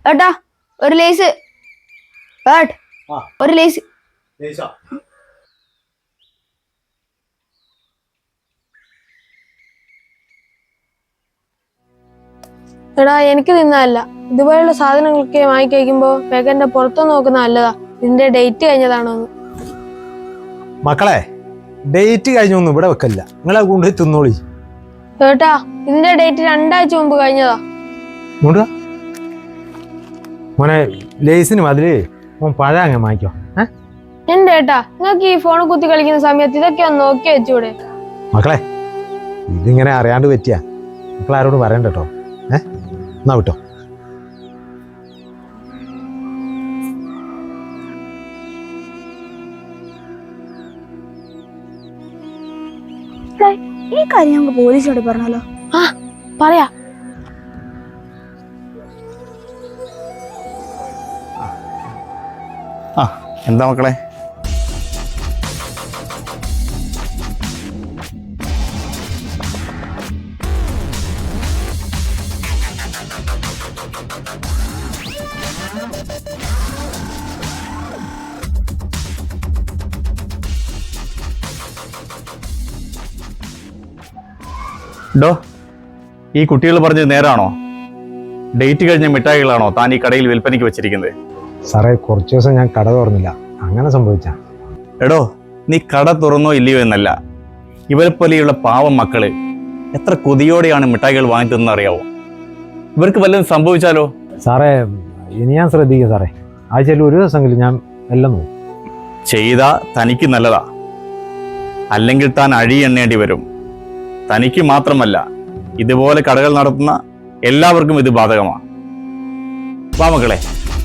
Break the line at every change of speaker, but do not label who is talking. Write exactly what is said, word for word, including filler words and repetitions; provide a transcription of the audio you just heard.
ഏട്ടാ ഒരു ലേസ് ഏട്ട് ഒരു ലേസ് എടാ എനിക്ക് തിന്നല്ല ഇതുപോലുള്ള സാധനങ്ങളൊക്കെ വാങ്ങി കഴിക്കുമ്പോ പേക്കന്റെ പുറത്തു നോക്കുന്ന നല്ലതാ ഇതിന്റെ ഡേറ്റ് കഴിഞ്ഞതാണോ?
മക്കളെ ഡേറ്റ് കഴിഞ്ഞൊന്നും ഇവിടെ വെക്കല്ല, നിങ്ങളെ കൊണ്ട് തിന്നോളി.
ഏട്ടാ ഇതിന്റെ ഡേറ്റ് രണ്ടാഴ്ച മുമ്പ് കഴിഞ്ഞതാ.
മോനെ ലേസിന് മതില് മോൻ പഴം അങ്ങ് വാങ്ങിക്കോ.
എന്റെ ഏട്ടാ നിങ്ങൾക്ക് ഈ ഫോൺ കുത്തി കളിക്കുന്ന സമയത്ത് ഇതൊക്കെ ഒന്ന് നോക്കി വെച്ചൂടെ?
മക്കളെ ഇതിങ്ങനെ അറിയാണ്ട് പറ്റിയാ മക്കളാരോട് പറയണ്ട കേട്ടോ. ഏ എന്നാ വിട്ടോ.
ഈ കാര്യം ഞങ്ങൾക്ക് പോലീസിനോട് പറഞ്ഞാലോ?
ആ പറയാ.
ആ എന്താ മക്കളെ? ഡോ, ഈ കുട്ടികൾ പറഞ്ഞത് നേരാണോ? ഡേറ്റ് കഴിഞ്ഞ മിഠായികളാണോ താൻ ഈ കടയിൽ വിൽപ്പനയ്ക്ക് വെച്ചിരിക്കുന്നത്?
സാറേ കുറച്ച് ദിവസം ഞാൻ കട തുറന്നില്ല, അങ്ങനെ സംഭവിച്ച.
എടോ, നീ കട തുറന്നോ ഇല്ലയോ എന്നല്ല, ഇവരെ പോലെയുള്ള പാവം മക്കള് എത്ര കൊതിയോടെയാണ് മിഠായികൾ വാങ്ങി തിന്നെന്ന് അറിയാവോ? ഇവർക്ക് വല്ലതും സംഭവിച്ചാലോ?
സാറേ ഇനി ഞാൻ ശ്രദ്ധിക്കാം സാറേ, ആഴ്ചയിൽ ഒരു ദിവസമെങ്കിലും ഞാൻ എല്ലാം നോക്കും.
ചെയ്താ തനിക്ക് നല്ലതാ, അല്ലെങ്കിൽ താൻ അഴി എണ്ണേണ്ടി വരും. തനിക്ക് മാത്രമല്ല, ഇതുപോലെ കടകൾ നടത്തുന്ന എല്ലാവർക്കും ഇത് ബാധകമാണ്. വാ മക്കളെ.